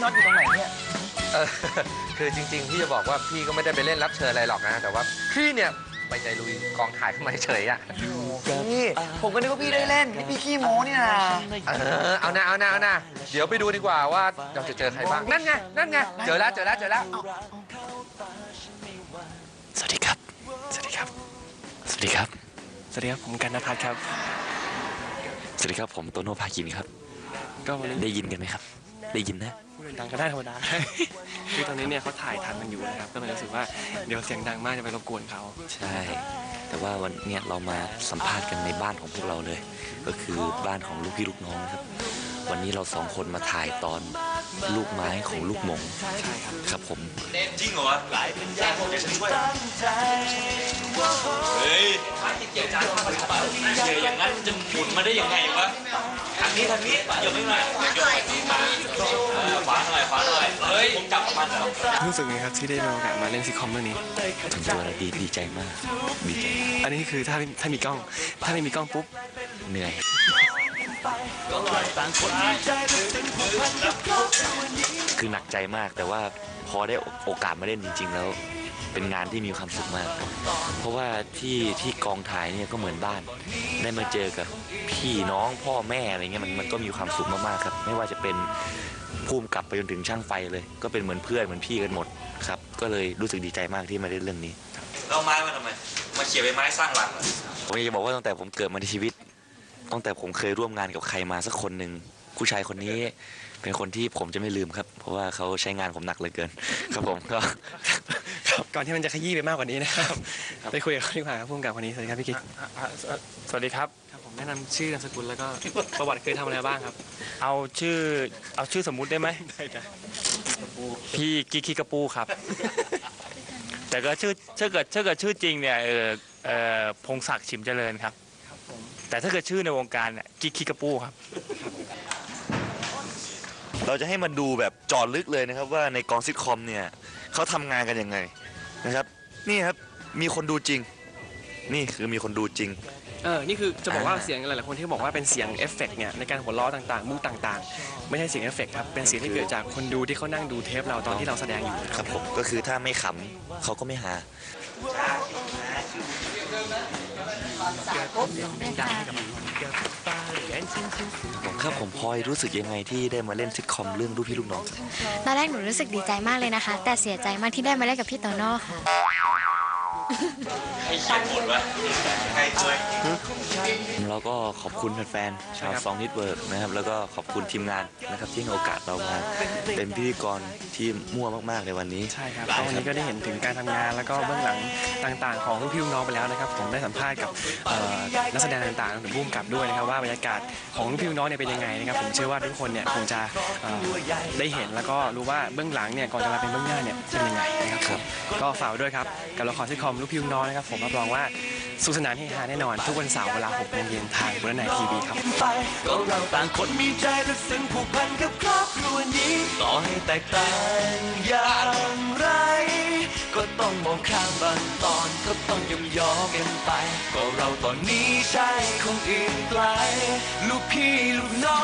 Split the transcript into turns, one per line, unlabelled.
น็อตอยู่ตรงไหนเนี่ย
เออคือจริงๆพี่จะบอกว่าพี่ก็ไม่ได้ไปเล่นรับเชิญอะไรหรอกนะแต่ว่าพี่เนี่ยไปใจลุยกองถ่ายเข้ามาเฉยอ่ะ
พี่ผมก็นึกว่าพี่ได้เล่นนี่พี่ขี้โม้นี่นะ
เอานะเดี๋ยวไปดูดีกว่าว่าเราจะเจอใครบ้างนั่นไงเจอแล้ว
สวัสดีครับผมกันณภัทรครับสวัสดีครับผมโตโน่ภาคินครับก็วันนี้ได้ยินกันไหมครับได้ยินนะพูดดังก็ได้ธรรมดาคือตอนนี้เนี่ยเขาถ่ายทำกันอยู่นะครับก็เลยรู้สึกว่าเดี๋ยวเสียงดังมากจะไปรบกวนเขาใช่แต่ว่าวันนี้เรามาสัมภาษณ์กันในบ้านของพวกเราเลยก็คือบ้านของลูกพี่ลูกน้องนะครับวันนี้เราสองคนมาถ่ายตอนลูกไม้ของลูกหมงใช่ครับผม
จริงเหรอเดี๋ยวฉันช่วยเฮ้ยเกี่ยวจานข้าวผัดเปล่าเกี่ยวอย่างนั้นจะหมุนมาได้ยังไงวะทางนี้เดี๋ยวไม่มาขวาหน่อยเฮ้ยผมจับมันเหรอ
รู้สึกไงครับที่ได้มีโอกาสมาเล่นซิทคอมเรื่องนี้ถึงตัวเราดีใจมากดีใจอันนี้คือถ้ามีกล้องถ้าไม่มีกล้องปุ๊บเหนื่อยคือหนักใจมากแต่ว่าพอได้โอกาสมาเล่นจริงๆแล้วเป็นงานที่มีความสุขมากเพราะว่าที่กองถ่ายเนี่ยก็เหมือนบ้านได้มาเจอกับพี่น้องพ่อแม่อะไรเงี้ยมันก็มีความสุขมากๆครับไม่ว่าจะเป็นภูมิกับไปจนถึงช่างไฟเลยก็เป็นเหมือนเพื่อนเหมือนพี่กันหมดครับก็เลยรู้สึกดีใจมากที่มาเล่นเรื่องนี้
เราไม้มาทำไมมาเขี่ยใบไม้สร้างหลัง
ผมอยากจะบอกว่าตั้งแต่ผมเกิดมาในชีวิตตั้งแต่ผมเคยร่วมงานกับใครมาสักคนหนึ่งผู้ชายคนนี้เป็นคนที่ผมจะไม่ลืมครับเพราะว่าเขาใช้งานผมหนักเหลือเกินครับผมก็ก่อนที่มันจะขยี้ไปมากกว่านี้นะครับไปคุยกับเขาดีกว่าครับผู้กำกับคนนี้สวัสดีครับพี่กิ๊ก
สวัสดีครับ
ครับผมแนะนำชื่อนามสกุลแล้วก็ประวัติเคยทำอะไรบ้างครับ
เอาชื่อสมมุติได้ไหมได้จ้ะพี่กิ๊กขี้กระปูครับแต่ก็ถ้าเกิดชื่อจริงเนี่ยพงศักดิ์ฉิมเจริญครับแต่ถ้าเกิดชื่อในวงการเนี่ยกิ๊กขี้กระปูครับ
เราจะให้มันดูแบบเจาะลึกเลยนะครับว่าในกองซิทคอมเนี่ยเขาทำงานกันยังไงนะครับนี่ครับมีคนดูจริงนี่คือมีคนดูจริงนี่คือจะบอกว่าเสียงหลายๆคนที่บอกว่าเป็นเสียงเอฟเฟกต์เนี่ยในการหัวเราะต่างๆมุกต่างๆไม่ใช่เสียงเอฟเฟกต์ครับเป็นเสียงที่เกิดจากคนดูที่เขานั่งดูเทปเราตอนที่เราแสดงอยู่ครับผมก็คือถ้าไม่ขำเขาก็ไม่หาครับผมพลอยรู้สึกยังไงที่ได้มาเล่นซิทคอมเรื่องลูกพี่ลูกน้องครับ
ตอนแรกหนูรู้สึกดีใจมากเลยนะคะแต่เสียใจมากที่ได้มาเล่นกับพี่โตโน่ค่ะ
ให้เขียนบทวะใครช่วย
เราก็ขอบคุณแฟนๆชาวซองนิดเวิร์กนะครับแล้วก็ขอบคุณทีมงานนะครับที่ให้โอกาสเรามาเป็นพิธีกรที่มั่วมากๆในวันนี้ใช่ครับวันนี้ก็ได้เห็นถึงการทำงานแล้วก็เบื้องหลังต่างๆของลูกพี่ลูกน้องไปแล้วนะครับผมได้สัมภาษณ์กับนักแสดงต่างๆหรือผู้กำกับด้วยนะครับว่าบรรยากาศของลูกพี่ลูกน้องเนี่ยเป็นยังไงนะครับผมเชื่อว่าทุกคนเนี่ยคงจะได้เห็นแล้วก็รู้ว่าเบื้องหลังเนี่ยก่อนจะมาเป็นเบื้องหน้าเนี่ยเป็นยังไงนะครับก็ฝากด้วยครับกับละครซิทคอมลูกพี่ลูกน้องนะครับผมรับรองว่าสุขสนานเฮฮาแน่นอนทุกวันเสาร์เวลา 6 โมงเย็นทางบนไนทีวีครับก็เราต่างคนมีใจและซึ้งผูกพันกับครอบครัวนี้ต่อให้แตกต่างอย่างไรก็ต้องมองข้ามบางตอนก็ต้องยอมกันไปก็เราตอนนี้ใช่คงอื่นไกลลูกพี่ลูกน้อง